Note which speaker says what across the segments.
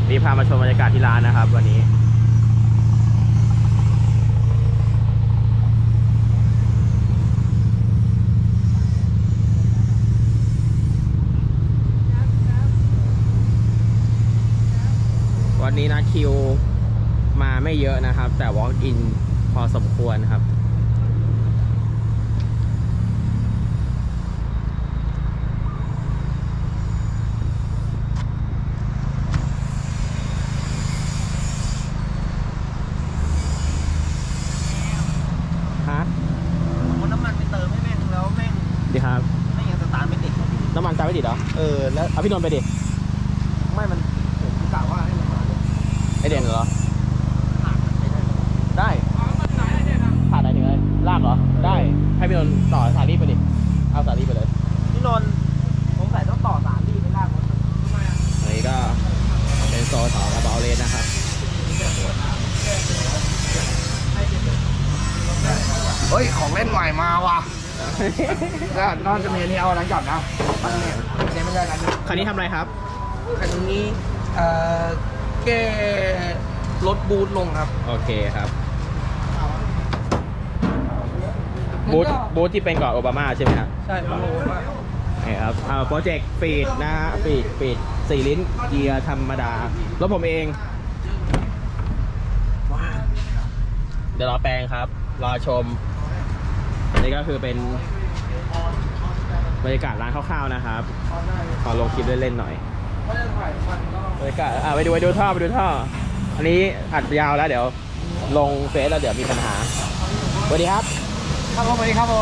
Speaker 1: นี่พามาชมบรรยากาศที่ร้านนะครับวันนี้วันนี้นะคิวมาไม่เยอะนะครับ แต่ walk in พอสมควรครับฮะ
Speaker 2: น้ำมันไปเติมให้แม่งแล้วแม่ง
Speaker 1: ดีครับ
Speaker 2: ไม่ยังสตาร์ทไม่ติด
Speaker 1: น้ำมันตามไม่ติดเหรอ
Speaker 2: แล้ว
Speaker 1: เอาพี่นนท์ไปดิ
Speaker 2: ไม่มันผมกะว่าให้มันมาเลย
Speaker 1: ไอเด่นเหรอ
Speaker 2: ผ่านไปได้
Speaker 1: ได้ผ่านไหนถึงเลยลากเหรอได้ให้พี่นนท์ต่อสายรีบไปดิเอาสายรีบไปเลย
Speaker 2: พี่นนท์สงสัยต้องต่อสารดีไปลากรถมัน
Speaker 1: อันนี้ก็เป็นโซนของกระเป๋าเลนนะครับ
Speaker 2: เฮ้ยของเล่นใหม่มาว่ะแล้วนอนจะมีอันนี้เอาอะไรจับนะปันเนี่ยไม่ได้กัน
Speaker 1: คันนี้ทำอะไรครับ
Speaker 2: คันนี้แก้รถบูทลงครับ
Speaker 1: โอเคครับบูธที่เป็นก่อนโอบามาใช่ไหมครับ
Speaker 2: ใช่โอ้โห
Speaker 1: นี่ครับโปรเจกต์ฟีดนะฮะฟีด4 ลิ้นเกียร์ธรรมดารถผมเองเดี๋ยวรอแปลงครับรอชมนี่ก็คือเป็นบรรยากาศร้านคร่าวๆนะครับขอลงคลิปเล่นๆหน่อยบรรยากาศไปดูท่ออันนี้อัดยาวแล้วเดี๋ยวลงเฟซแล้วเดี๋ยวมีปัญหาสวัสดีครับ
Speaker 2: ครับผมสวัสดีครับผม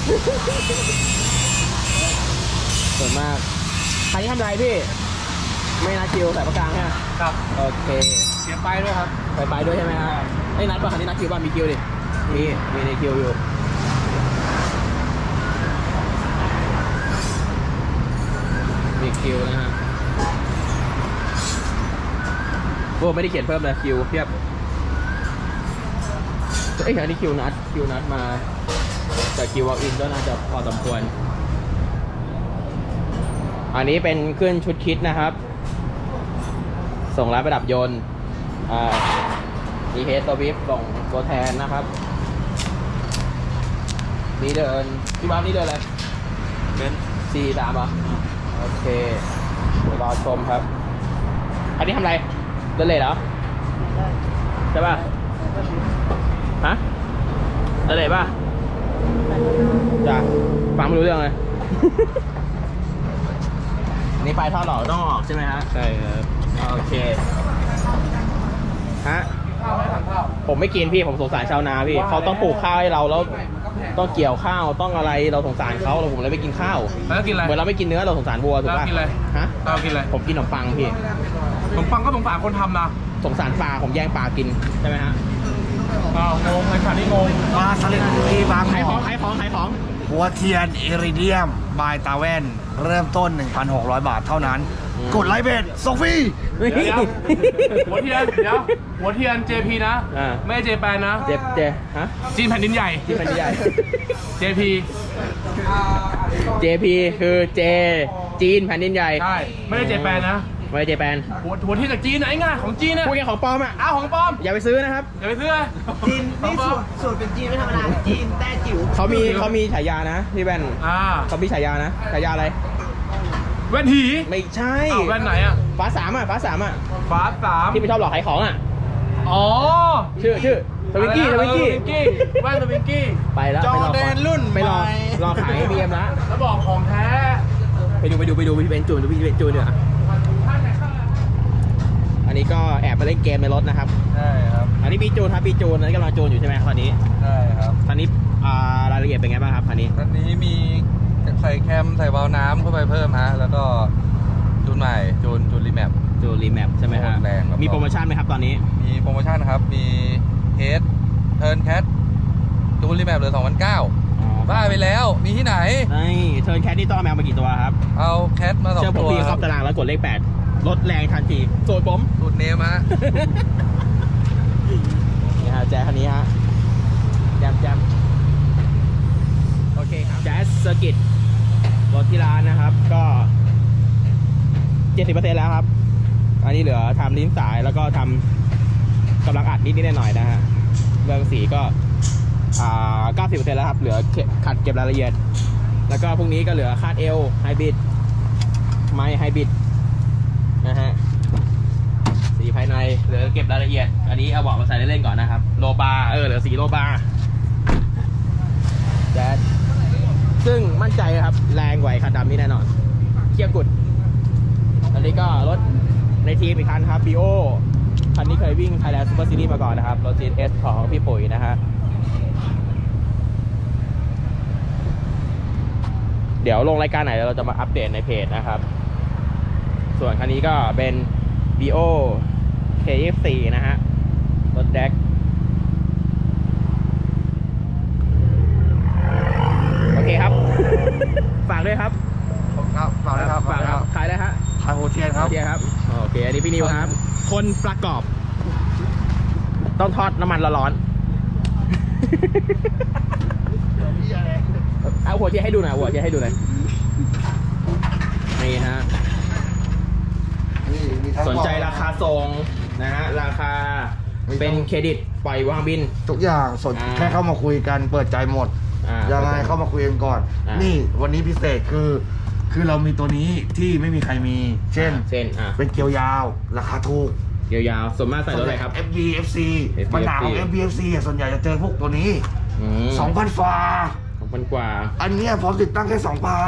Speaker 1: ส่วนมากใครที่ทำอะไรพี่ไม่นัดคิวใส่ประกลางใช่ไหม
Speaker 2: ครับ
Speaker 1: โอเค
Speaker 2: เสียไปด้วยครับ
Speaker 1: ไปด้วยใช่ไหมครับไอ้นัดป่ะคันนี้นัดคิวป่ะมีคิวดิมีในคิวอยู่มีคิวนะฮะโอ้ไม่ได้เขียนเพิ่มเลยคิวเพียบไอ้คันนี้คิวนัดมาแต่คิววอล์กอินก็น่าจะพอสมควรอันนี้เป็นขึ้นชุดคิดนะครับส่งร้านประดับยนต์มีเฮดตัววิฟส่งตัวแทนนะครับนี่เดินพี่บ้านนี่เดินอะไรเป็น43ป่ะโอเคเดี๋ยวรอชมครับอันนี้ทำอะไรเดินเลยเหรอใช่ป่ะฮะเดินเลยป่ะจ้ะฟังไม่รู้เรื่องเลย นี่ไปท่อหล่อต้องออกใช่ไหมฮะใช่ครับโอเคฮะผมไม่กินพี่ผมสงสารชาวนาพี่เขาต้องปลูกข้าวให้เราแล้วต้องเกี่ยวข้าวต้องอะไรเราสงสารเขาเราผมเลยไม่กินข้าว
Speaker 3: แล้วกินอะไร
Speaker 1: เหมือนเราไม่กินเนื้อเราสงสารวัวถูกป่ะ
Speaker 3: แล้วกินอะไร
Speaker 1: ฮะ
Speaker 3: เรากินอะไร
Speaker 1: ผมกินขนมปังพี่
Speaker 3: ขนมปังก็สงสารคนทำนะ
Speaker 1: สงสารปลาผมแย่งปลากินใช่ไหมฮะ
Speaker 3: อ้าวงงไอ้ขานี่งง
Speaker 2: มาสลิดที่บาง
Speaker 1: ขายของ
Speaker 2: หัวเทียนเอริเดียมบายตาแว่น เริ่มต้น 1,600 บาทเท่านั้น กดไลค์เบสส่งฟรี
Speaker 3: เดี๋ยวหัวเทียนหัวเทียน JP นะ ไม่ใช่เจแปนนะ
Speaker 1: เจฮะ
Speaker 3: จีนแผ่นดินใหญ่
Speaker 1: ที่เป็นใหญ่
Speaker 3: JP
Speaker 1: JP คือเจจีนแผ่นดินใหญ่
Speaker 3: ใช่ ไม่ได้เจแปนนะ
Speaker 1: ไม่ใช่เจแปน
Speaker 3: หัวเทียนจากจีนนะไอ้ง่ายของจีนนะ
Speaker 1: พวกแกของปลอมอ่ะ
Speaker 3: อ้าวของปลอม
Speaker 1: อย่าไปซื้อนะครับ
Speaker 3: อย่าไปซื้อ
Speaker 2: จีนนี่สูตรเป็นจีนไม่ธรรมดา จีนแต้จิ๋ว
Speaker 1: เขามีฉายานะพี่แว่น เขามีฉายานะฉายาอะไร
Speaker 3: แว่นหี
Speaker 1: ไม่ใช่
Speaker 3: อ้าวแว่นไหนอ่ะ
Speaker 1: ฟ้าสามอ่ะ
Speaker 3: ฟ้าสาม
Speaker 1: ที่ไม่ชอบหลอกขายของอ่ะ
Speaker 3: อ๋อ
Speaker 1: ชื่อทวิงกี้
Speaker 3: แว่นทวิงกี้
Speaker 1: ไปแล้ว
Speaker 2: จอแดนรุ่น
Speaker 1: ไปรอ
Speaker 2: ใหม่
Speaker 1: รอขายบีเอ็มละ
Speaker 3: แล้วบอกของแท้
Speaker 1: ไปดูพี่เบนจูนพี่เบนจูนเนี่ยอันนี้ก็แอบไปเล่นเกมในรถนะครับ
Speaker 3: ใช่ครับ
Speaker 1: อันนี้บีจูนครับบีจูนอันนี้กำลังจูนอยู่ใช่ไหมตอนนี้
Speaker 3: ใช่ครับ
Speaker 1: ตอนนี้รายละเอียดเป็นไงบ้างครับคันนี้
Speaker 3: ตอนนี้มีใส่แคมใส่วาล์วน้ำเข้าไปเพิ่มฮะ แล้วก็จูนใหม่จูนรีแมป
Speaker 1: จูนรีแมปใช่ไหมฮะ
Speaker 3: แรงครับ
Speaker 1: มีโปรโมชั่นไหมครับตอนนี้
Speaker 3: มีโปรโมชั่นครับ มีเฮดเทิร์นแคทจูนรีแมปเหลือ2,900บ้าไปแล้ว มีที่ไหน
Speaker 1: นี่เทิร์นแคทนี่ต้องเอาแมวมากี่ตัวครับ
Speaker 3: เอาแคทมา2
Speaker 1: เชื่อผม
Speaker 3: ตัว
Speaker 1: พี่เข้าตารางแล้วกดเลข8ลดแรงทันทีโจทย์ผม
Speaker 3: สูตรเนมฮะ
Speaker 1: นี่ฮะแจ๊สคันนี้ฮะแจมโอเคครับแจ๊สเซอร์กิตรถที่ร้านนะครับก็ 70% แล้วครับอันนี้เหลือทำลิ้นสายแล้วก็ทำกำลังอัดนิดๆหน่อยๆนะฮะเรื่องสีก็90% แล้วครับเหลือขัดเก็บรายละเอียดแล้วก็พรุ่งนี้ก็เหลือคาดเอวไฮบริดไม้ไฮบริดนะฮะสีภายในเหลือเก็บรายละเอียดอันนี้เอาเบาะมาใส่เล่นๆก่อนนะครับโลบาร์เหลือสีโลบาร์แจ๊สซึ่งมั่นใจครับแรงกว่าคันดำนี่แน่นอนเคี่ยวกุดอันนี้ก็รถในทีมอีกคันครับ BO คันนี้เคยวิ่ง Thailand Super Series มาก่อนนะครับรถ GS ของพี่ปุ๋ยนะฮะเดี๋ยวลงรายการไหนเราจะมาอัปเดตในเพจนะครับส่วนคันนี้ก็เป็น BO K24 นะฮะรถแดกโอเคครับ ฝากด้วยครับ
Speaker 2: ครับฝากเลยครับ
Speaker 1: ฝากครับขายได้ฮะ
Speaker 2: ขายโฮเทียนครับ
Speaker 1: โอเคครับโอเคอันนี้พี่นิวครับ คนประกอบ ต้องทอดน้ำมันร้อนๆเอาหัวเทียนให้ดูหน่อยหัวเทียนให้ดูหน่อยนี่ฮะสนใจราคาส่งนะฮะราคาเป็นเครดิตปล่อยวางบิน
Speaker 2: ทุกอย่างแค่เข้ามาคุยกันเปิดใจหมดยังไงเข้ามาคุยกันก่อนนี่วันนี้พิเศษคือเรามีตัวนี้ที่ไม่มีใครมีเช่นเป็นเกียวยาวราคาถูก
Speaker 1: เกียวยาวส่วนมากใส่รถอะไรครับ
Speaker 2: FB FC ปัญหาของ FB FC ส่วนใหญ่จะเจอพวกตัวนี้ 2,000 ฝ่า
Speaker 1: 2,000 กว่า
Speaker 2: อันนี้พร้อมติดตั้งแค่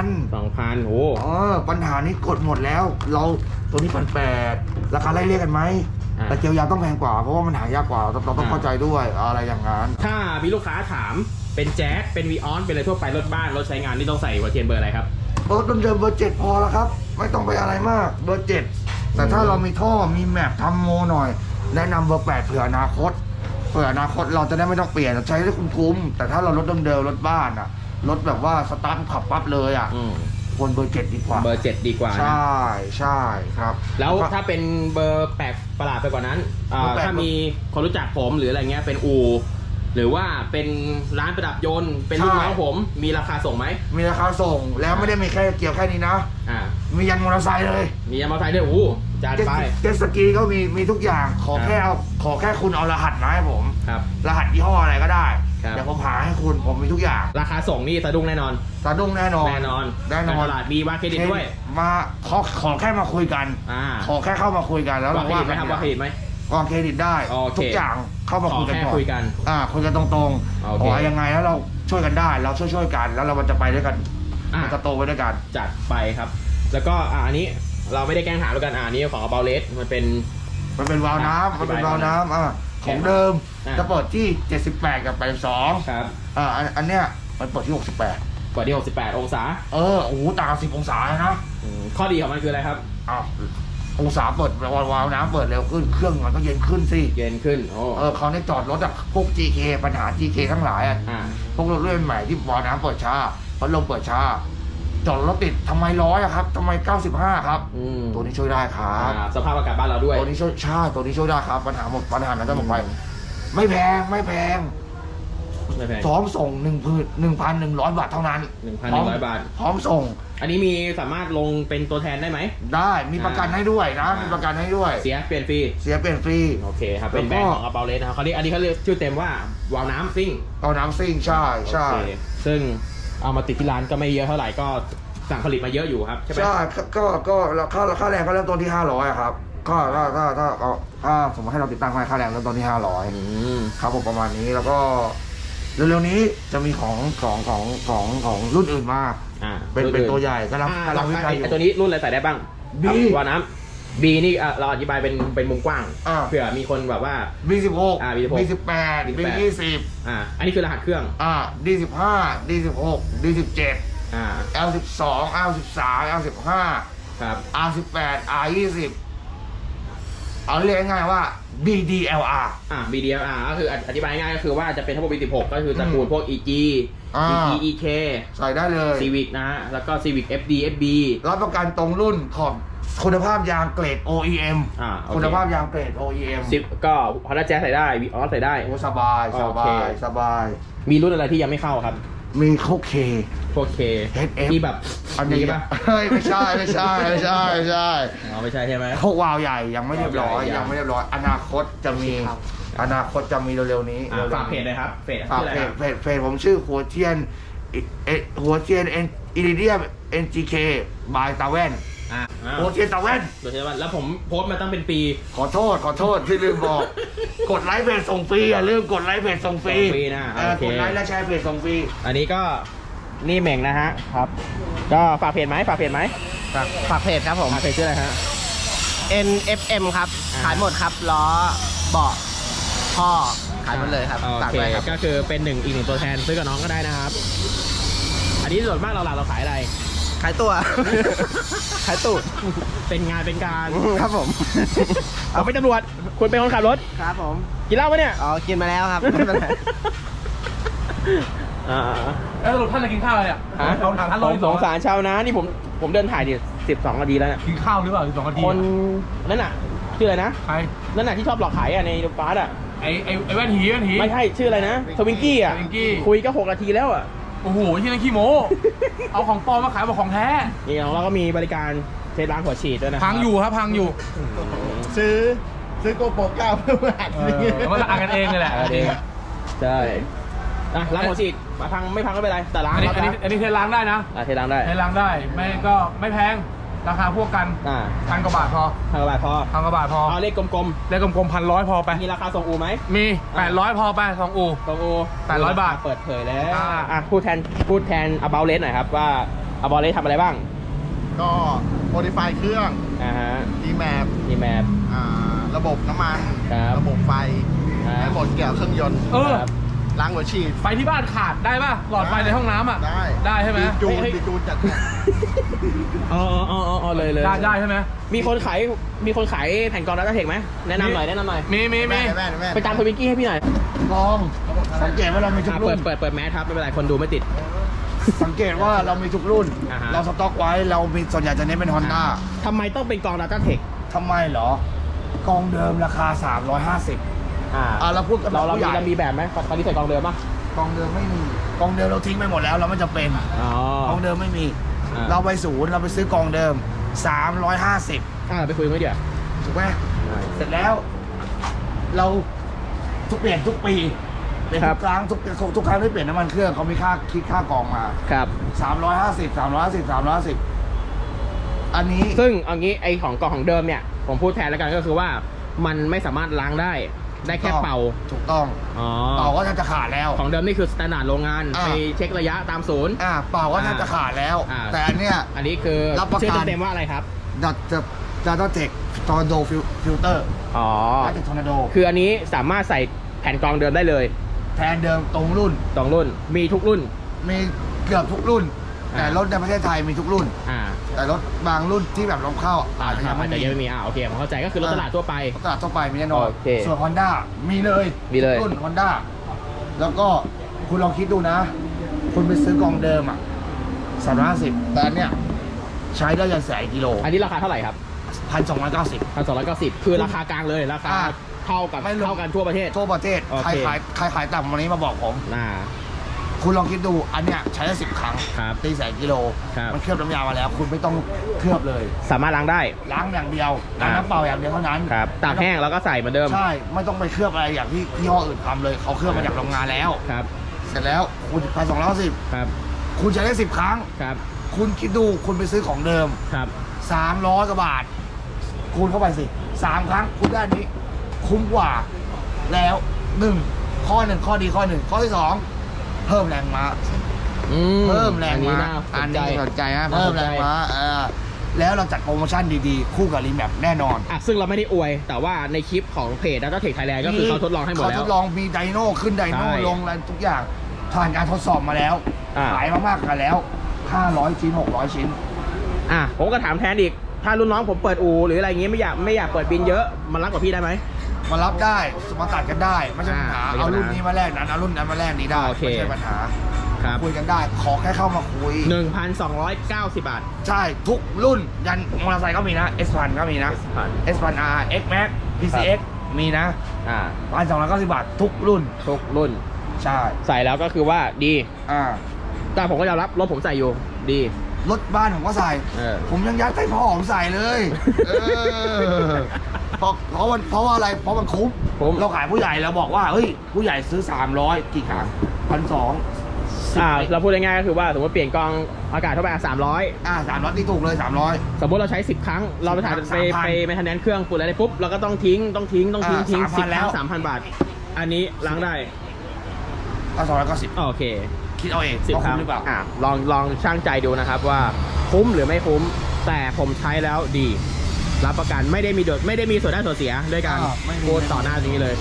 Speaker 2: 2,000
Speaker 1: โอ้
Speaker 2: ปัญหานี้กดหมดแล้วเราตัวนี้1,800ราคาไล่เรียกกันไหมแต่เกียวยาวต้องแพงกว่าเพราะว่ามันหายากกว่าเราต้องเข้าใจด้วยอะไรอย่างนั้น
Speaker 1: ถ้ามีลูกค้าถามเป็นแจ๊สเป็นวีออนเป็นอะไรทั่วไปรถบ้านรถใช้งานนี่ต้องใส่หัวเทียนเบอร์อะไรครับ
Speaker 2: รถเดิมๆเบอร์ 7พอแล้วครับไม่ต้องไปอะไรมากเบอร์ 7แต่ถ้าเรามีท่อมีแมปทำโมหน่อยแนะนำเบอร์ 8เผื่ออนาคตเราจะได้ไม่ต้องเปลี่ยนใช้ได้คุ้มๆแต่ถ้าเรารถเดิมๆรถบ้านอ่ะรถแบบว่าสตาร์ทขับปั๊บเลยอ่ะควรเบอร์ 7ดีกว่า
Speaker 1: เบอร์ 7ดีกว่า
Speaker 2: ใช่ครับ
Speaker 1: แล้วถ้าเป็นเบอร์แปลกประหลาดไปกว่านั้นถ้ามีคนรู้จักผมหรืออะไรเงี้ยเป็นอู่หรือว่าเป็นร้านประดับยนต์เป็นลูกน้องผมมีราคาส่งไหม
Speaker 2: มีราคาส่งแล้วไม่ได้มีแค่เกี่ยวแค่นี้นะมียันมอเตอร์ไซค์เลย
Speaker 1: มียันมอเตอร์ไซค์ด้วยโอ้จัดไป
Speaker 2: เจ็ตสกีก็มีทุกอย่างขอแค่คุณเอารหัสมาให้ผมรหัสยี่ห้ออะไรก็ได้เดี๋ยวผมหาให้คุณผมมีทุกอย่าง
Speaker 1: ราคาส่งนี่สะดุ้งแน่นอน
Speaker 2: สะดุ้งแน่นอน
Speaker 1: ตลาดมีว่าเครดิตด้วย
Speaker 2: มาขอแค่มาคุยกันขอแค่เข้ามาคุยกันแล้ว
Speaker 1: ว่าเครดิตไหมครับว่าเครดิตไหม
Speaker 2: วางเครดิตได้ทุกอย่างเข้ามาคุยกันก่อน
Speaker 1: คุยกัน
Speaker 2: คุยกันตรงๆขอยังไงแล้วเราช่วยกันได้เราช่วยกันแล้วเราจะไปด้วยกันมันจะโตไปด้วยกัน
Speaker 1: จัดไปครับแล้วก็อันนี้เราไม่ได้แกล้งถามแล้วกันอันนี้ของอัลเบเลสมันเป็น
Speaker 2: วาล์วน้ำของเดิมจะเปิดที่78กับ82
Speaker 1: ครับ
Speaker 2: อันเนี้ยมันเปิดที่68
Speaker 1: เปิดที่68องศา
Speaker 2: โอ้โหต่าง10องศานะ
Speaker 1: ข้อดีของมันคืออะไรครับ
Speaker 2: องศาเปิดวาล์วน้ำเปิดเร็วขึ้นเครื่องมันก็เย็นขึ้นสิ
Speaker 1: เย็นขึ้น
Speaker 2: เขาในจอดรถพวก GK ปัญหา GK ทั้งหลายพวกรถรุ่นใหม่ที่วาล์วน้ำเปิดช้าพัดลมเปิดช้าจอดรถติดทำไม100ครับทำไม95ครับตัวนี้ช่วยได้ครับ
Speaker 1: สภาพอากาศบ้านเราด้วย
Speaker 2: ตัวนี้ช่วยได้ครับปัญหานั้นจะหมดไปไม่แพงพร้อมส่ง1,100 บาทเท่านั้น
Speaker 1: 1,100 บาท
Speaker 2: พร้อมส่ง
Speaker 1: อันนี้มีสามารถลงเป็นตัวแทนได้ไหม
Speaker 2: ได้มีประกันให้ด้วยนะมีประกันให้ด้วย
Speaker 1: เสียเปลี่ยนฟรีโอเคครับเป็นแบรนด์ของอัลเบเลสนะครับอันนี้เขาเรียกชื่อเต็มว่าวาล์วน้ำซิ่ง
Speaker 2: ใช่
Speaker 1: ซึ่งเอามาติดที่ร้านก็ไม่เยอะเท่าไหร่ก็สั่งผลิตมาเยอะอยู่ครับใช่ไหม
Speaker 2: ใช่ก็ค่าแรงก็เริ่มต้นที่500ครับก็ถ้าสมมติให้เราติดตั้งให้ค่าแรงเริ่มต้นที่500ครับผมประมาณนี้แล้วก็เร็วๆนี้จะมีของรุ่นอื่นมาเป็นตัวใหญ่ก็รับวิจัยอยู่
Speaker 1: ตัวนี้รุ่นอะไรใส่ได้บ้างวาล์วน้ำ B นี่เราอธิบายเป็นมุมกว้างเผื่อมีคนแบบว่า
Speaker 2: B16 B18 B20
Speaker 1: อันนี้คือรหัสเครื่อง
Speaker 2: D15 D16 D17 L12 L13 L15
Speaker 1: ครับ
Speaker 2: R18 R20 เอาเรียกง่ายๆว่า BDLR
Speaker 1: BDLR ก็คืออธิบายง่ายก็คือว่าจะเป็นทั้งหมด B16 ก็คือตระกูลพวก EG EK
Speaker 2: ใส่ได้เลย
Speaker 1: Civic นะแล้วก็ Civic FD FB
Speaker 2: รับประกันตรงรุ่นขอบคุณภาพยางเกรด OEM คุณภาพยางเกรด OEM
Speaker 1: 10ก็Honda Jazz ใส่ได้ Vios ใส่ได้
Speaker 2: สบายมี
Speaker 1: รุ่นอะไรที่ยังไม่เข้าครับ
Speaker 2: มีโคเค
Speaker 1: พวกเค
Speaker 2: HF
Speaker 1: ที่แบบ
Speaker 2: อันนี้
Speaker 1: ป่ะ
Speaker 2: เฮ้ยไม่ใช่ไม่ใช่ไม่ใช่ไม่ใช่
Speaker 1: อ๋อไม่ใช่ใช่ไหม
Speaker 2: พวกวาวใหญ่ยังไม่เรียบร้อย
Speaker 1: วาวใหญ่
Speaker 2: ยังไม่เรียบร้อยอนาคตจะมีอนาคตจะมีเร็วๆนี้
Speaker 1: ฝากเพจเลยครับเพจ
Speaker 2: ฝาก
Speaker 1: ชื่ออะไรครับ
Speaker 2: เพจผมชื่อหัวเทียนอิริเดียม NGK บายตาแว่น หัวเทียนตาแว่น
Speaker 1: โดยเฉพาะแล้วผมโพสต์มาตั้งเป็นปี
Speaker 2: ขอโทษที่ลืมบอก กดไลค์เพจส่งฟรีอย่าลืมกดไลค์เพจส่งฟรี
Speaker 1: ส่งฟรีนะ โอเค
Speaker 2: กดไลค์และแชร์เพจส่งฟรี
Speaker 1: อันนี้ก็นี่เหม่งนะฮะครับ ก็ฝากเพจไหมฝากเพจไหม
Speaker 4: ฝากเพจครับผม
Speaker 1: เพจชื่ออะไรฮะ
Speaker 4: NFM ครับ
Speaker 1: อ่า
Speaker 4: ขายหมดครับ ล้อ เบาะท่อ ขายหมดเลยครับ
Speaker 1: โอ
Speaker 4: ฝาก
Speaker 1: เค
Speaker 4: ด้วยครับ
Speaker 1: ก็คือเป็นอีกหนึ่งตัวแทนซื้อกับน้องก็ได้นะครับ อันนี้ส่วนมากเราขายอะไร
Speaker 4: ขายตัว ขายตูด
Speaker 1: เป็นงานเป็นการ
Speaker 4: ครับผม
Speaker 1: เอาไปตำรวจคุณเป็นคนขับรถ
Speaker 4: ครับผม
Speaker 1: กินเหล้าปะเนี่ย
Speaker 4: อ๋อ กินมาแล้วครับ ไม่เป็นไร
Speaker 3: แล้วสรุปท่านจะกินข้าวอะไรอ่ะ
Speaker 1: ฮะ
Speaker 3: เราถามท่าน
Speaker 1: ผมสงสารชาวนานี่ผมเดินถ่ายดิ12 นาทีแล้วเนี่ย
Speaker 3: กินข้าวหรือเปล่า12 นาที
Speaker 1: คนนั่นน่ะชื่ออะไรนะ
Speaker 3: ใคร
Speaker 1: นั่นน่ะที่ชอบหลอกขายอ่ะในฟาสอ่ะ
Speaker 3: ไอ้แว่นหีแว่นหี
Speaker 1: ไม่ใช่ชื่ออะไรนะทวิงกี้อ่ะ
Speaker 3: ทวิงกี้
Speaker 1: คุยก็6 นาทีแล้วอ่ะ
Speaker 3: โอ้โหที่นั่นขี้โม้ เอาของปลอมมาขายบอกของแท้
Speaker 1: นี่ของเราก็มีบริการเทสล้างหัวฉีดด้วยนะ
Speaker 3: พังอยู่ครับพังอยู่
Speaker 4: ซื้อโกโปร9เพื่ออัด
Speaker 3: มันละอ่านกันเองเลยแหละ
Speaker 1: เองใช่อ่ะล้างหัวฉีดพังไม่พังก็ไม่เป็นไรแต่ล้าง
Speaker 3: อันนี้
Speaker 1: แล้ว
Speaker 3: อันนี้เทล้างได้นะ
Speaker 1: เทล้างได้
Speaker 3: เทล้างได้ไม่ก็ไม่แพงราคาพวกกัน 1,000 กว่าบาทพอ
Speaker 1: พังกว่าบาทพอ
Speaker 3: 1,000 กว่าบาทพอ
Speaker 1: เอาเลขกลม
Speaker 3: เลขกลมๆ1,100พอไป
Speaker 1: ๆมีราคาส่งอูไหม
Speaker 3: มี 800 พอไป2 อู่
Speaker 1: ส่งอู
Speaker 3: 800 บาท
Speaker 1: เปิดเผยแล้ว
Speaker 3: อ่า
Speaker 1: พูดแทน about rate หน่อยครับว่า about rate ทำอะไรบ้าง
Speaker 4: ก็โมดิฟายเครื่อง
Speaker 1: ฮะ
Speaker 4: ดีแมป
Speaker 1: ดีแมป
Speaker 4: ระบบน้ำมัน
Speaker 1: ครับ
Speaker 4: ระบบไฟ
Speaker 1: ครับ
Speaker 4: และหมดเกี่ยวเครื่องยนต์
Speaker 3: เออ
Speaker 1: ครับ
Speaker 4: ล้างหัวฉีด
Speaker 3: ไฟที่บ้านขาดได้ป่ะ หลอดไฟในห้องน้ำอ่ะ
Speaker 4: ได้
Speaker 3: ได้ใช่ไหม
Speaker 4: จูน
Speaker 1: เฮ้ย
Speaker 4: ดีจูนจัดให้
Speaker 1: อ๋อเลย
Speaker 3: ได้ใช่ไหม
Speaker 1: มีคนขายแผ่นกรองดัตเทคไหมแนะนำหน่อย
Speaker 3: มี
Speaker 4: แม่
Speaker 1: ไปตามทวิงกี้ให้พี่หน่อย
Speaker 2: ลองสังเกตว่าเรามีทุกรุ่น
Speaker 1: เปิดแมสครับไม่เป็นไรคนดูไม่ติด
Speaker 2: สังเกตว่าเรามีทุกรุ่น
Speaker 1: อ่าฮะ
Speaker 2: เราสต็อกไว้เรามีส่วนใหญ่จะเน้นเป็น Honda
Speaker 1: ทำไมต้องเป็นกรองดัตเทค
Speaker 2: ทำไมเหรอกองเดิมราคา 350เราพูดกันแบบ
Speaker 1: เรา
Speaker 2: ผู้ใหญ่
Speaker 1: มีแบบไหมตอนนี้ใส่กรองเดิมป่ะ
Speaker 2: กองเดิมไม่มีกองเดิมเราทิ้งไปหมดแล้วเราไม่จำเป็น
Speaker 1: อ๋อก
Speaker 2: องเดิมไม่มี
Speaker 1: อ่า
Speaker 2: เราไปศูนย์เราไปซื้อกองเดิม 350
Speaker 1: ไปคุยกันเดี๋ยว
Speaker 2: ถูกไหมเสร็จแล้ว เราเปลี่ยนทุกปีเปลี่ยนทุกครั้งทุกครั้งที่เปลี่ยนน้ำมันเครื่องเขามีคิดค่ากองมา
Speaker 1: ครับ
Speaker 2: 350 อันนี้
Speaker 1: ซึ่งเอางี้ไอของกรองของเดิมเนี่ยผมพูดแทนแล้วกันก็คือว่ามันไม่สามารถล้างได้แค่เป่า
Speaker 2: ถูกต้อง
Speaker 1: อ๋อ
Speaker 2: เป่าก็จะขาดแล้ว
Speaker 1: ของเดิมนี่คือสแตนดาร์ดโรงงาน
Speaker 2: อ่า
Speaker 1: ไปเช็คระยะตามศูนย์
Speaker 2: เป่าก็จะขาดแล้ว
Speaker 1: อ่า
Speaker 2: แต่อันเนี้ย
Speaker 1: อันนี้คือ
Speaker 2: รับประกัน
Speaker 1: ชื่อเต็มๆว่าอะไรครับ
Speaker 2: Data Tech Tornado Filter
Speaker 1: อ๋อ
Speaker 2: Data Tech Tornado
Speaker 1: คืออันนี้สามารถใส่แผ่นกรองเดิมได้เลย
Speaker 2: แทนเดิมตรงรุ่น
Speaker 1: สองรุ่นมีทุกรุ่น
Speaker 2: มีเกือบทุกรุ่น
Speaker 1: อ่า
Speaker 2: แต่รถในประเทศไทยมีทุกรุ่น แต่รถบางรุ่นที่แบบลมเข้าอาจจะยังไม่
Speaker 1: แต่ยังไม่มีโอเคผมเข้าใจก็คือรถตลาดทั่วไป
Speaker 2: ตลาดทั่วไปมีแน่นอน
Speaker 1: โอเค
Speaker 2: ส่วน Honda มีเลย
Speaker 1: มีเลย
Speaker 2: รุ่น Honda แล้วก็คุณลองคิดดูนะ คุณไปซื้อกองเดิม350แต่อันเนี้ยใช้ได้ยันแสนกิโล
Speaker 1: อันนี้ราคาเท่าไหร่ครับ
Speaker 2: 1,290
Speaker 1: 1,290คือราคากลางเลยราคา
Speaker 2: อ่า
Speaker 1: เท่ากัน
Speaker 2: ไม่รวม
Speaker 1: เท่ากันทั่วประเทศ
Speaker 2: ทั่วประเทศ
Speaker 1: โอ
Speaker 2: ใคร
Speaker 1: เค
Speaker 2: ขายต่ำวันนี้มาบอกผม
Speaker 1: น่า
Speaker 2: คุณลองคิดดูอันเนี้ยใช้ได้10 ครั้ง
Speaker 1: ครับ
Speaker 2: ตีแสนกิโล
Speaker 1: ครับ
Speaker 2: มันเคลือบน้ำยามาแล้ว คุณไม่ต้องเคลือบเลย
Speaker 1: สามารถล้างได้
Speaker 2: ล้างอย่างเดียวล้างน้ำเปล่าอย่างเดียวเท่านั้น
Speaker 1: ครับตากแห้งแล้วก็ใส่เหมือนเดิม
Speaker 2: ใช่ ไม่ต้องไปเคลือบอะไรอย่างที่ยี่ห้ออื่นทำเลย เขาเคลือบมาจากโรงงานแล้ว
Speaker 1: ครับ
Speaker 2: เสร็จแล้วคุณ1,210
Speaker 1: ครับ
Speaker 2: คุณใช้ได้10 ครั้ง
Speaker 1: ครับ
Speaker 2: คุณคิดดูคุณไปซื้อของเดิม
Speaker 1: ครับ
Speaker 2: 300 กว่าบาท คูณเข้าไปสิ 3 ครั้ง คุณได้อันนี้ คุ้มกว่า แล้ว 1 ข้อดีข้อ 1 ข้อที่ 2 เพิ่มแรงม้า เพิ่มแรง
Speaker 1: อันนี้
Speaker 2: ม้า
Speaker 1: น่าส
Speaker 2: อั
Speaker 1: น
Speaker 2: น
Speaker 1: ใจ
Speaker 2: นี้สนใจฮะ
Speaker 1: น่า
Speaker 2: เพิ่
Speaker 1: ส
Speaker 2: ม
Speaker 1: น
Speaker 2: แร
Speaker 1: ใจ
Speaker 2: งม้าแล้วเราจัดโปรโมชั่นดีๆ คู่กับรีแมปแน่นอน
Speaker 1: ซึ่งเราไม่ได้อวย แต่ว่าในคลิปของเพจ Data Tech Thailand ก็คือเขาทดลองให้หมด
Speaker 2: เขา
Speaker 1: แล้
Speaker 2: ท
Speaker 1: ว
Speaker 2: ดลองมีไดโน่ขึ้นไดโน่
Speaker 1: ใช่
Speaker 2: ลงอะไรทุกอย่างผ่านการทดสอบมาแล้ว ขายมามากกันแล้ว 500 ชิ้น 600 ชิ้น
Speaker 1: ผมก็ถามแทนอีก ถ้ารุ่นน้องผมเปิดอูหรืออะไรอย่างงี้ไม่อยากเปิดบินเยอะมันรับกับพี่ได้ไหม
Speaker 2: มารับได้มาตัดกันได้ไม่ใช่ปัญหา
Speaker 1: ไม่ใช่
Speaker 2: เอา
Speaker 1: ปัญหา
Speaker 2: รุ่นนี้มาแลกนั้นเอารุ่นนั้นมาแลกนี้ได้
Speaker 1: โอเค
Speaker 2: ไม่ใช่ปัญหา
Speaker 1: ครับ
Speaker 2: คุยกันได้ ขอแค่เข้ามาคุย
Speaker 1: 1,290 บาท
Speaker 2: ใช่ทุกรุ่นยันมอเตอร์ไซค์ก็มีนะ S1000 ก็มีนะ
Speaker 1: S1000
Speaker 2: S1000R X Max PCX มีนะ 1,290 บาททุกรุ่น
Speaker 1: ทุกรุ่น
Speaker 2: ใช่
Speaker 1: ใส่แล้วก็คือว่าดี
Speaker 2: อ่า
Speaker 1: แต่ผมก็ยอมรับรถผมใส่อยู่ดี
Speaker 2: รถบ้านผมก็ใส่ ผมยังยัดใส่พ่อผมใส่เลยเพราะว่าอะไรเพราะมันคุ้มเราขายผู้ใหญ่เราบอกว่าเฮ้ยผู้ใหญ่ซื้อ300กี่ครั้ง1,200
Speaker 1: เราพูดง่ายๆก็คือว่าสมมติเปลี่ยนกองอากาศเข้าไป300
Speaker 2: 300ที่ถูกเลย300
Speaker 1: สมมติเราใช้10 ครั้งเราไปถ่ายไปแมนเทนแนนซ์เครื่องฝุ่นอะไรปุ๊บเราก็ต้องทิ้ง10 ครั้ง 3,000 บาทอันนี้ล้างได้
Speaker 2: 290
Speaker 1: โอเค
Speaker 2: คิดเอาเอง
Speaker 1: 10 ครั้ง
Speaker 2: หรือเปล่า
Speaker 1: ลองช่างใจดูนะครับว่าคุ้มหรือไม่คุ้มแต่ผมใช้แล้วดีรับประกันไม่ได้มีส่วนได้ส่วนเสียด้วยกันพูดต่อหน้านี้เลย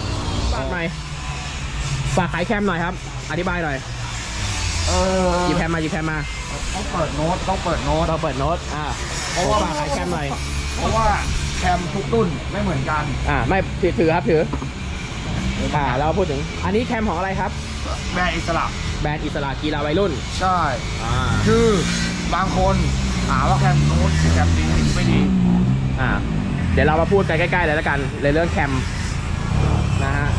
Speaker 1: ฝากขายแคมหน่อยครับอธิบายหน่อยหยิบแคมมา
Speaker 2: ต้องเปิดโน้ต
Speaker 1: เพราะว่าฝากขายแคมหน่อย
Speaker 2: เพราะว่าแคมทุกรุ่นไม่เหมือนกัน
Speaker 1: ไม่ถือครับถือเราพูดถึงอันนี้แคมของอะไรครับ
Speaker 2: แบรนด์อิสระ
Speaker 1: กีฬาวัยรุ่น
Speaker 2: ใช่คือบางคนหาว่าแคมโน้ตแคมดีไม่ดี
Speaker 1: เดี๋ยวเรามาพูดกันใกล้ๆเลยแล้วกันในเรื่องแคมนะฮะ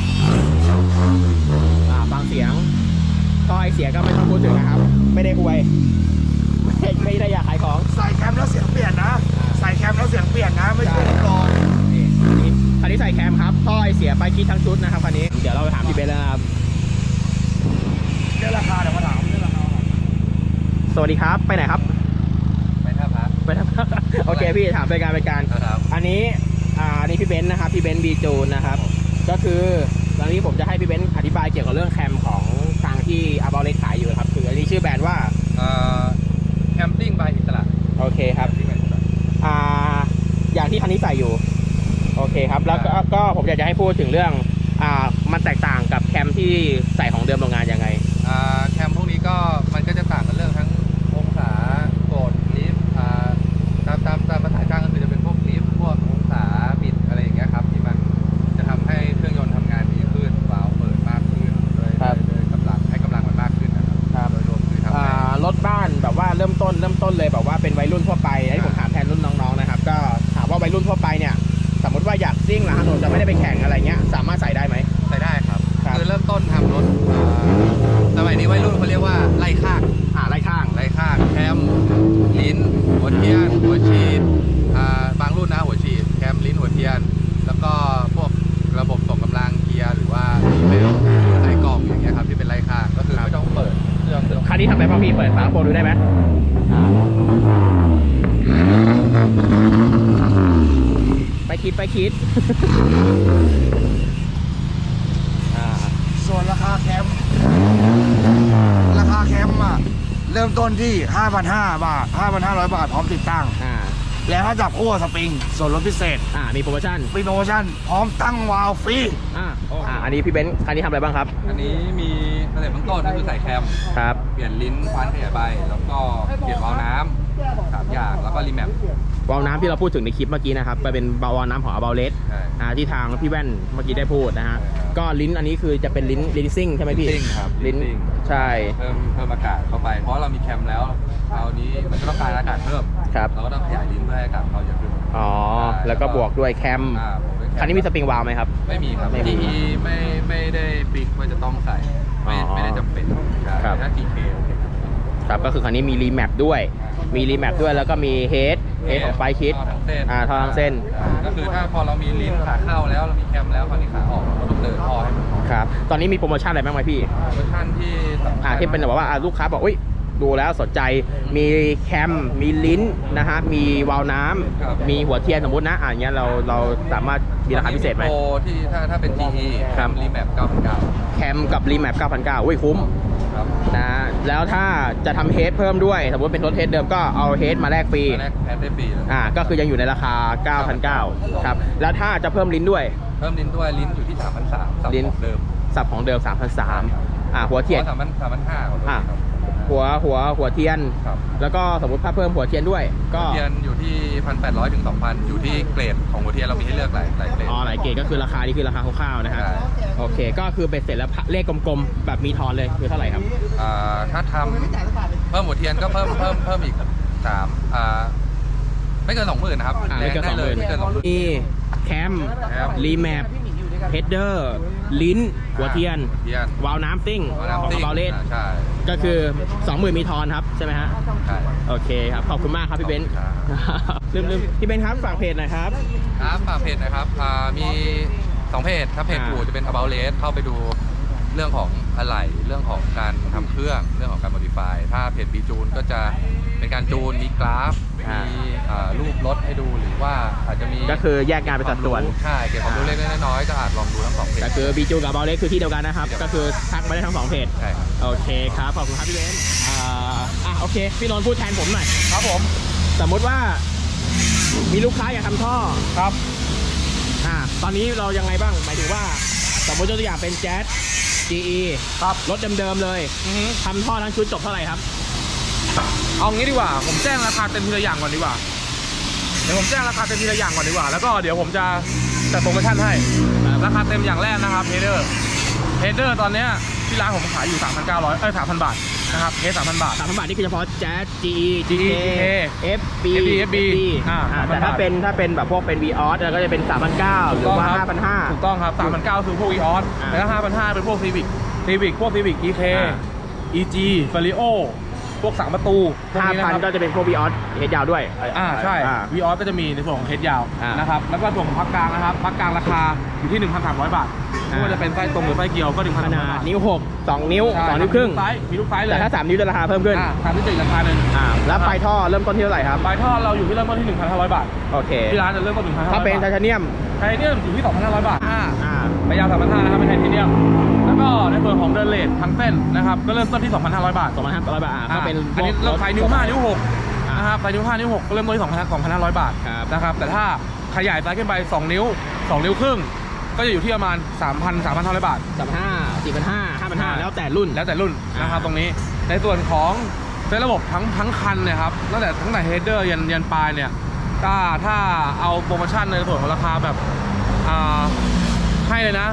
Speaker 1: ฟังเสียงท่อไอเสียก็ไม่ต้องพูดถึงนะครับไม่ได้อวยไม่ได้อยากขายของ
Speaker 2: ใส่แคมแล้วเสียงเปลี่ยนนะไม่ใช่กอง
Speaker 1: คันนี้ใส่แคมครับท่อไอเสียไปคิดทั้งชุดนะครับคันนี้เดี๋ยวเราไปถามพี่เบนแล้วนะครับ
Speaker 2: เรื่องราคาเดี๋ยวมาถามเรื่องราคา
Speaker 1: สวัสดีครับไปไหนครับ
Speaker 3: ไปท่าพระ
Speaker 1: โอเคพี่ถามเป็นการอันนี้พี่เบนซ์นะครับพี่เบนซ์บีจูนนะครับก็คือตอนนี้ผมจะให้พี่เบนซ์อธิบายเกี่ยวกับเรื่องแคมของทางที่อาร์บอลเล็กขายอยู่ครับคืออันนี้ชื่อแบรนด์ว่า
Speaker 3: แคมปิ้งบายอิสระ
Speaker 1: โอเคครับอย่างที่คันนี้ใส่อยู่โอเคครับแล้วก็ผมอยากจะให้พูดถึงเรื่องมันแตกต่างกับแคมที่ใส่ของเดิมโรงงานยังไง
Speaker 3: แคมพวกนี้ก็มันก็จะต่างกันเรื่องทั้งองศาโกดลิฟต์ตามภาษาช่างก็คือจะเป็นพวกลิฟต์พวกองศาบิดอะไรอย่างเงี้ยครับที่มันจะทำให้เครื่องยนต์ทำงานดีขึ้นวาล์วเปิดมากขึ้นโดยกำลังให้กำลังมันมากขึ้นนะครับโดยรวมคือทำให้
Speaker 1: รถบ้านแบบว่าเริ่มต้นเลยแบบว่าเป็นวัยรุ่นทั่วไปที่ผมถามแทนรุ่นน้องๆนะครับก็ถามว่าวัยรุ่นทั่วไปเนี่ยสมมติว่าอยากซิ่งหลังถนนจะไม่ได้ไปแข่งอะไรเงี้ยสามารถใส่ได้ไหม
Speaker 3: ใส่ได้ครับคือเริ่มต้นทำรถสมัยนี้วัยรุ่นเขาเรียกว่าไล่ข้างแคมลิ้นหัวเทียนหัวฉีดบางรุ่นนะหัวฉีดแคมลิ้นหัวเทียนแล้วก็พวกระบบส่งกำลังเกียร์หรือว่าเบลใส่กล่องอย่างเงี้ยครับที่เป็นไล่ข้างก็คือไม่ต้องเปิดเครื่อง
Speaker 1: คันนี้ทำได้ป่ะพี่เปิดฝาโปรดูได้ไหมไปคิด
Speaker 2: ส่วนราคาแคมเริ่มต้นที่ 5,500 บาท 5,500 บาทพร้อมติดตั้งแล้วถ้าจับคู่สปริงส่วนลดพิเศษ
Speaker 1: มีโปรโมชั่น
Speaker 2: พร้อมตั้งวาล์วฟรี
Speaker 1: อันนี้พี่เบนซ์คันนี้ทำอะไรบ้างครับ
Speaker 3: อันนี้มีสเต็ปเบื้องต้นก็คือใส่แคม
Speaker 1: ครับ
Speaker 3: เปลี่ยนลิ้นฟันขยายใบแล้วก็เปลี่ยนวาล์วน้ำ3 อย่างแล้วก็รีแมป
Speaker 1: วาล์วน้ำที่เราพูดถึงในคลิปเมื่อกี้นะครับไปเป็นวาล์วน้ำของอาร์บอลเลสที่ทางพี่แว่นเมื่อกี้ได้พูดนะฮะก็ลิ้นอันนี้คือจะเป็นลิ้นซิ่งใช่ไหมพี่
Speaker 3: ซิ่งครับ
Speaker 1: ลิ้นใช่
Speaker 3: เพิ่มอากาศเข้าไปเพราะเรามีแคมแล้วคราวนี้มันก็ต้องการอากาศเพิ่มเราก็ต้องขยายลิ้นเพื่อให้อากาศเขาเยอะขึ้น
Speaker 1: แล้วก็บวกด้วยแคมคันนี้มีสปริงวาล์วไหมครับ
Speaker 3: ไม่มีครับ GE ไม่ได้ฟิกว่าจะต้องใส่ไม่ได้จำเป็นถ้า TK โอเค
Speaker 1: ครับก็คือคันนี้มีรีแมปด้วยแล้วก็มีเฮดของไฟคิดท่อทั้งเส้น
Speaker 3: ก็คือถ้าพอเรามีลิ้นขาเข้าแล้วเรามีแคมแล้วคราวนี้ขาออกเราต้องเดินท่อให้มัน
Speaker 1: ครับตอนนี้มีโปรโมชั่นอะไรบ้างไหมพี่
Speaker 3: โปรโมชั่น
Speaker 1: ที่เป็นแบบว่าลูกค้าบอกดูแล้วสนใจมีแคมมีลิ้นนะฮะมีวาล์วน้ำมีหัวเทียนสมมตินะอย่างเงี้ยเราสามารถมีราคาพิเศษไหม
Speaker 3: โปรที่ถ้าเป็น GE แคมรีแมป 9,900
Speaker 1: แคมกับรีแมป 9,900คุ้มนะแล้วถ้าจะทำเฮดเพิ่มด้วยสมมติเป็นรถเฮดเดิมก็เอาเฮดมาแลกฟรี
Speaker 3: ได้ฟรี
Speaker 1: ก็คือยังอยู่ในราคา 9,900 ครับแล้วถ้าจะเพิ่มลิ้นด้วย
Speaker 3: ลิ้นอยู่ที่ 3,300 ลิ้นเดิม
Speaker 1: สับของเดิม 3,300 หัวเทียน
Speaker 3: 3,500
Speaker 1: หัวเทียนแล้วก็สมมติถ้าเพิ่มหัวเทียนด้วยก็
Speaker 3: หัวเทียนอยู่ที่ 1,800 ถึง 2,000 อยู่ที่เกรดของหัวเทียนเรามีให้เลือกหลายเกรด
Speaker 1: หลายเกรดก็คือราคานี่คือราคาคร่าวๆนะฮะโอเคก็คือเป็นเสร็จแล้วเลขกลมๆแบบมีทอนเลยคือเท่าไหร่ครับ
Speaker 3: ถ้าทำเพิ่มหัวเทียนก็เพิ่มอีกไม่เกิน 20,000 นะครับ
Speaker 1: ไม่เกิน 20,000มีแคมรีแมปเฮดเดอร์ลิ้นหัวเทียน
Speaker 3: หัวเทียน
Speaker 1: วาล์วน้ำซิ่ง
Speaker 3: วาล์วน้ำ
Speaker 1: ของ
Speaker 3: ซิ่ง
Speaker 1: บาเลส
Speaker 3: ใช่
Speaker 1: ก็คือ 20,000 มีทอนครับใช่ไหมฮะ
Speaker 3: ใช่
Speaker 1: โอเคครับ ขอบคุณมากครับพี่เบนซ์ ลืมพี่เบนซ์ครับฝากเพจหน่อยครับ
Speaker 3: ครับฝากเพจนะครับมี2เพจถ้าเพจอู่จะเป็น About Race เข้าไปดูเรื่องของอะไหล่เรื่องของการทำเครื่องเรื่องของการ modify ถ้าเพจบีจูนก็จะเป็นการจูนมีกราฟมีรูปรถให้ดูหรือว่าอาจจะมี
Speaker 1: ก็คือแยกงานเป็นสัดส่วน
Speaker 3: ใช่เกี่ยวกับรู้เล็กๆน้อยๆก็อาจลองดูทั้ง2เพจ
Speaker 1: ก็คือบีจูกับบาเลสคือที่เดียวกันนะครับ ก็คือทักมาได้ทั้ง2เพจ
Speaker 3: ใช่ครับ
Speaker 1: โอเคครับ ขอบคุณครับพี่เบนซ์โอเค พี่นนท์พูดแทนผมหน่อย
Speaker 2: ครับผม
Speaker 1: สมมติว่ามีลูกค้าอยากทำท่อ
Speaker 2: ครับ
Speaker 1: ตอนนี้เรายังไงบ้าง หมายถึงว่าสมมติยกตัวอย่างเป็นแจ๊ส GE
Speaker 2: ครับ
Speaker 1: รถเดิมๆเลยทำท่อทั้งชุดจบเท่าไหร่ครับ
Speaker 2: เอางี้ดีกว่า ผมแจ้งราคาเต็มทีละอย่างก่อนดีกว่า เดี๋ยวผมแจ้งราคาเต็มทีละอย่างก่อนดีกว่า แล้วก็เดี๋ยวผมจะจัดโปรโมชั่นให้ ราคาเต็มอย่างแรกนะครับเฮดเดอร์ตอนเนี้ยที่ร้านผมขายอยู่ 3,000 บาทนะครับเฮด3,000 บาท
Speaker 1: 3,000 บาทนี่คือเฉพาะแจ๊ส GE
Speaker 2: GK
Speaker 1: FB
Speaker 2: FB
Speaker 1: แต่ถ้าเป็นแบบพวกเป็น Vios แล้วก็จะเป็น 3,900 หรือว่า 5,500
Speaker 2: ถูกต้องครับ 3,900 คือพวก Vios แล้วก็ 5,500 เป็นพวก Civic พวก Civic EK EG Vario พวก3 ประตูพวกนี้นะครั
Speaker 1: 5,000 ก็จะเป็นพวก Vios เฮดยาวด้วย
Speaker 2: ใช่ Vios ก็จะมีในส่วนของเฮดยาวนะครับแล้วก็ส่วนของพักกลางนะครับพักกลางราคาอยู่ที่ 1,300 บาทไม่ว่าจะเป็นไส้ตรงหรือไส้เกียวก็ 1,300
Speaker 1: ขนา
Speaker 2: บา
Speaker 1: ด
Speaker 2: ท
Speaker 1: นิ้ว 6 2 นิ้ว 2 นิ้วครึ่ง
Speaker 2: มีลูกไซส์เลย
Speaker 1: แต่ถ้า 3 นิ้วจะราคาเพิ่มขึ้น
Speaker 2: 3 นิ้วจะอีกราคาหนึ่ง
Speaker 1: แล้วปลายท่อเริ่มต้นที่เท่าไหร่ครับ
Speaker 2: ปลายท่อเราอยู่ที่เริ่มต้นที่ 1,500 บาท
Speaker 1: โอเค
Speaker 2: ที่ร้านจะเริ่มต้น 1,500
Speaker 1: ถ้าเป็นไทเทเนียม
Speaker 2: ไทเทเนียมอยู่ที่ 2,500 บาทระยะ 3,500 นะครับเป็นไทเทเนียมแล้วก็ในส่วนของเดินเลททั้งเส้นนะครับก็เริ่มต้นที่ 2,500 บาท
Speaker 1: 2,500 บาทก็เป็น
Speaker 2: อันนี้เราไฟนิ้ว 5 นิ้ว 6นะครับไฟนิ้ว 5 นิ้ว 6ก็เริ่มต้นที่ 2,500 บาท
Speaker 1: ครับ
Speaker 2: นะครับแต่ถ้าขยายไซส์ขึ้นไป 2 นิ้ว 2 นิ้วครึ่งก็จะอยู่ที่ประมาณ 3,500 บาท
Speaker 1: 3,500 4,500 5,500 แล้วแต่รุ่น
Speaker 2: แล้วแต่รุ่นนะครับตรงนี้ในส่วนของเซตระบบทั้งคันเนี่ยครับตั้งแต่เฮดเดอร์ยันปลายเนี่ยถ้าเอาโปรโมชั่นในส่วนของราคาแบบให้เลยนะ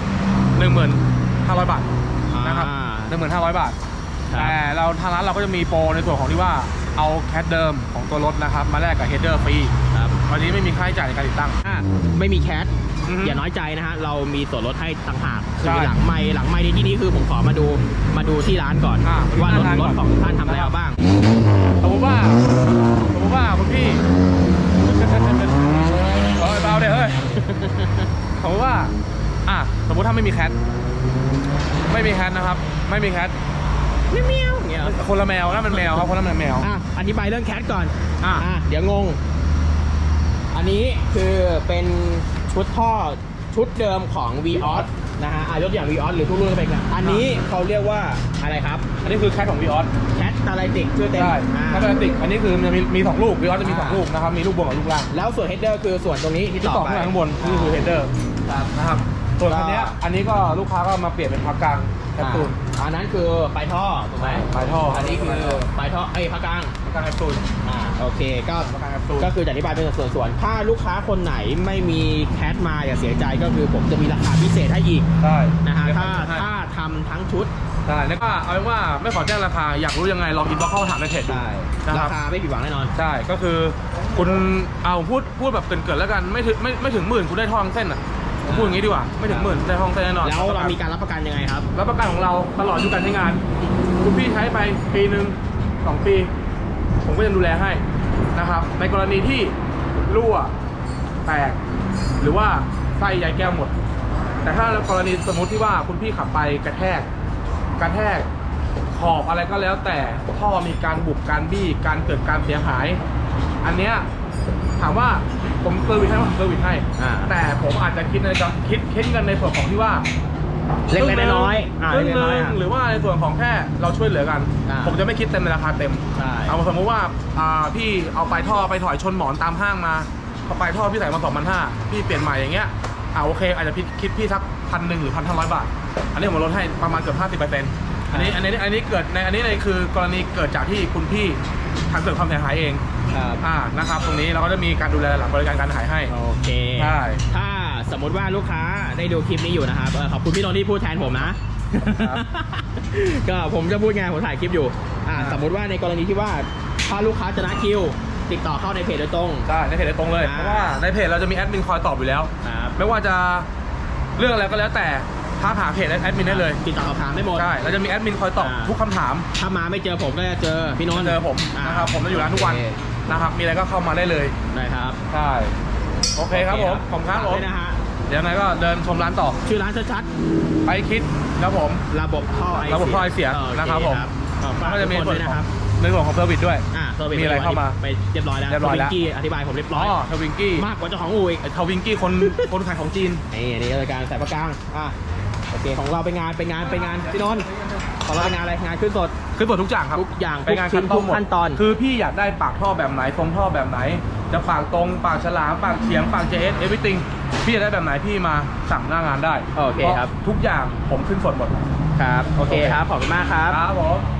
Speaker 2: 15,000 บาทนะครับ 15,000 บาท แต่เราทางร้านเราก็จะมีโปรในส่วนของที่ว่าเอาแคทเดิมของตัวรถนะครับมาแลกกับเฮดเดอร์ฟรีวันนี้ไม่มีค่าใช้จ่ายในการติดตั้ง
Speaker 1: ไม่มีแคท
Speaker 2: อือฮึ
Speaker 1: อย่าน้อยใจนะฮะ เรามีส่วนลดให้ต่างหาก
Speaker 2: ใช่
Speaker 1: คือหลังไมค์ในที่นี้คือผมขอมาดูที่ร้านก่อน ว่ารถ
Speaker 2: หน้าร้านก่อน
Speaker 1: ของท่านทำอะไรเอาบ้าง
Speaker 2: สมมติว่าคุณพี่เบาเดี๋ยวเฮ้ยสมมติว่าสมมติถ้าไม่มีแคทนะครับไม่มีแคท
Speaker 1: เมียวอย่างเงี้ย
Speaker 2: คนละแมวนะมันแมวครับคนละแมว
Speaker 1: อธิบายเรื่องแคทก่อน เดี๋ยวงง อันนี้คือเป็นชุดท่อชุดเดิมของ Vios นะฮะยกตัวอย่าง Vios หรือทุกรุ่นก็เป็นกันอันนี้เขาเรียกว่าอะไรครับ
Speaker 2: อันนี้คือแคทของ Vios
Speaker 1: แคทตาไลติกชื่อเต็ม
Speaker 2: ใช่แคทติกอันนี้คือมันมี2 ลูก Vios จะมี2 ลูกนะครับมีลูกบนกับลูกล่าง
Speaker 1: แล้วส่วนเฮดเดอร์คือส่วนตรงนี้ที่
Speaker 2: ที่
Speaker 1: ต่
Speaker 2: ต่
Speaker 1: อ
Speaker 2: อ
Speaker 1: ไป
Speaker 2: ข้างบนนี่คือเฮดเดอร์นะครับส่วนคันนี้อันนี้ก็ลูกค้าก็มาเปลี่ยนเป็นพักกลางแคปซูล
Speaker 1: อันนั้นคือปลายท่อถูกไหม
Speaker 2: ปลายท่ออั
Speaker 1: อันนี้คือปลายท่อพักกลาง
Speaker 2: พักกลางแคปซูล
Speaker 1: โอเคก็
Speaker 2: พักกลางแคปซูล
Speaker 1: ก็คือจะอธิบายเป็นส่วนๆถ้าลูกค้าคนไหนไม่มีแคทมาอย่าเสียใจก็คือผมจะมีราคาพิเศษให้อีก
Speaker 2: ใช่
Speaker 1: นะฮะถ้าทำทั้งชุด
Speaker 2: ใช่แล้วก็เอาเป็นว่าไม่ขอแจ้งราคาอยากรู้ยังไงลองอินบ็อกซ์เข้ามาถามในเพจดู นะค
Speaker 1: รา
Speaker 2: รับ
Speaker 1: คาไม่ผิดหวังแน่นอน
Speaker 2: ใช่ก็คือคุณเอาพูดแบบเกินๆแล้วกันไม่ถึงหมื่นคุณได้ทองเส้นอ่ะผมพูดอย่างนี้ดีกว่าไม่ถึงหมื่นได้ทองเส้นแน่นอน
Speaker 1: แล้วเรามีการรับประกันยังไงครับ
Speaker 2: รับประกันของเราตลอดอายุการใช้งาน คุณพี่ใช้ไปปีหนึ่ง2 ปี ผมก็ยังดูแลให้นะครับในกรณีที่รั่วแตกหรือว่าไส้ใยแก้วหมด แต่ถ้ากรณีสมมติที่ว่าคุณพี่ขับไปกระแทกขอบอะไรก็แล้วแต่ท่อมีการบุบการบี้การเกิดการเสียหาย อันเนี้ยถามว่าผมเซอร์วิสให้ผมเซอร์วิสให้ แต่ผมอาจจะคิดเงินในส่วนของที่ว่า
Speaker 1: เล็กๆน้อยๆ
Speaker 2: ครึ่ง
Speaker 1: เล็ก
Speaker 2: ห
Speaker 1: ๆน้
Speaker 2: นึ่
Speaker 1: อย
Speaker 2: ง
Speaker 1: ๆ
Speaker 2: หรือว่าในส่วนของแค่เราช่วยเหลือกัน ผมจะไม่คิดเต็มในราคาเต็ม
Speaker 1: ใช่
Speaker 2: เอาสมมติว่าพี่เอาปลายท่อไปถอยชนหมอนตามห้างมาพอปลายท่อพี่ใส่มา 2,500 พี่เปลี่ยนใหม่อย่างเงี้ยโอเคอาจจะคิดพี่สัก1,000 หรือ 1,500 บาท อันนี้ผมลดให้ประมาณเกือบ 50%อันนี้เกิดในอันนี้เลยคือกรณีเกิดจากที่คุณพี่ทำเกิดความเสียหายเอง
Speaker 1: ครับ
Speaker 2: นะครับตรงนี้เราก็จะมีการดูแลหลังบริการการขายให้
Speaker 1: โอเค
Speaker 2: ใช่
Speaker 1: ถ้าสมมุติว่าลูกค้าได้ดูคลิปนี้อยู่นะครับขอบคุณพี่นนท์ที่พูดแทนผมนะ ก็ผมจะพูดไงผมถ่ายคลิปอยู่สมมุติว่าในกรณีที่ว่าถ้าลูกค้าจะนัดคิวติดต่อเข้าในเพจโดยตรง
Speaker 2: ใช่ในเพจโดยตรงเลยเพราะว่าในเพจเราจะมีแอดมินคอยตอบอยู่แล้ว
Speaker 1: ครับ
Speaker 2: ไม่ว่าจะ
Speaker 5: เรื่องอะไรก็แล้วแต่ทักหาเพจแอดมินได้เลย
Speaker 1: ติดต่อสอบถามได้หมด
Speaker 5: ใช่เราจะมีแอดมินคอยตอบทุกคำถาม
Speaker 1: ถ้ามาไม่เจอผมก็จะเจอพี่นนท์
Speaker 5: เจอผมนะครับผมจะอยู่ร้านทุกวัน
Speaker 1: โอเค
Speaker 5: นะครับมีอะไรก็เข้ามาได้เลย
Speaker 1: ได้ครับ
Speaker 5: ใช่โอเคครับผมผมครับผม
Speaker 1: ฝากด้วยนะฮะ
Speaker 5: เดี๋ยวยังไงก็เดินชมร้านต่อ
Speaker 1: ชื่อร้านชัด
Speaker 5: ไปคิดครับผม
Speaker 1: ๆระบบท่อไอ
Speaker 5: ระบบท่อไอเสีย
Speaker 1: โอเ
Speaker 5: นะครับผม
Speaker 1: ฝาก
Speaker 5: ก็
Speaker 1: ทุ
Speaker 5: จะ
Speaker 1: ก
Speaker 5: มี
Speaker 1: คน
Speaker 5: ส่
Speaker 1: ด้
Speaker 5: ว
Speaker 1: วน ยนะ
Speaker 5: ข
Speaker 1: ค
Speaker 5: อง
Speaker 1: รับ
Speaker 5: ในส่วนของเซอร์วิสด้วย
Speaker 1: เซอร์วิส
Speaker 5: มีอะไรเข้ามา
Speaker 1: ไปเรียบร้อยแล้ว
Speaker 5: เรียบร้อยแล้ว
Speaker 1: ทวิงกี้อธิบายผมเรียบร้
Speaker 5: อ๋
Speaker 1: อย
Speaker 5: อทวิงกี้
Speaker 1: มากกว่าเจ้าของอู่อีก
Speaker 5: ไอ้ทวิงกี้คนขายของจีน
Speaker 1: นี่รายการสายประกลางโอเคของเราเป็นงานพี่นนท์ของเราเป็นงานอะไรงานขึ้นสด
Speaker 5: คือเปิดทุกอย่างครับ
Speaker 1: ทุกอย่าง
Speaker 5: ไปงาน
Speaker 1: ทุกชิ้น
Speaker 5: คัดต้มหมด
Speaker 1: ทุกขั้นตอน
Speaker 5: คือพี่อยากได้ปากท่อแบบไหนทรงท่อแบบไหน จะปากตรงปากฉลามปากเฉียงปากเจส everything พี่อยากได้แบบไหนพี่มาสั่งหน้างานได้
Speaker 1: โอเคครับ
Speaker 5: พาะทุกอย่างผมขึ้นสดหมด
Speaker 1: ครับโอเคครับขอบคุณมากครับ
Speaker 5: ครับผม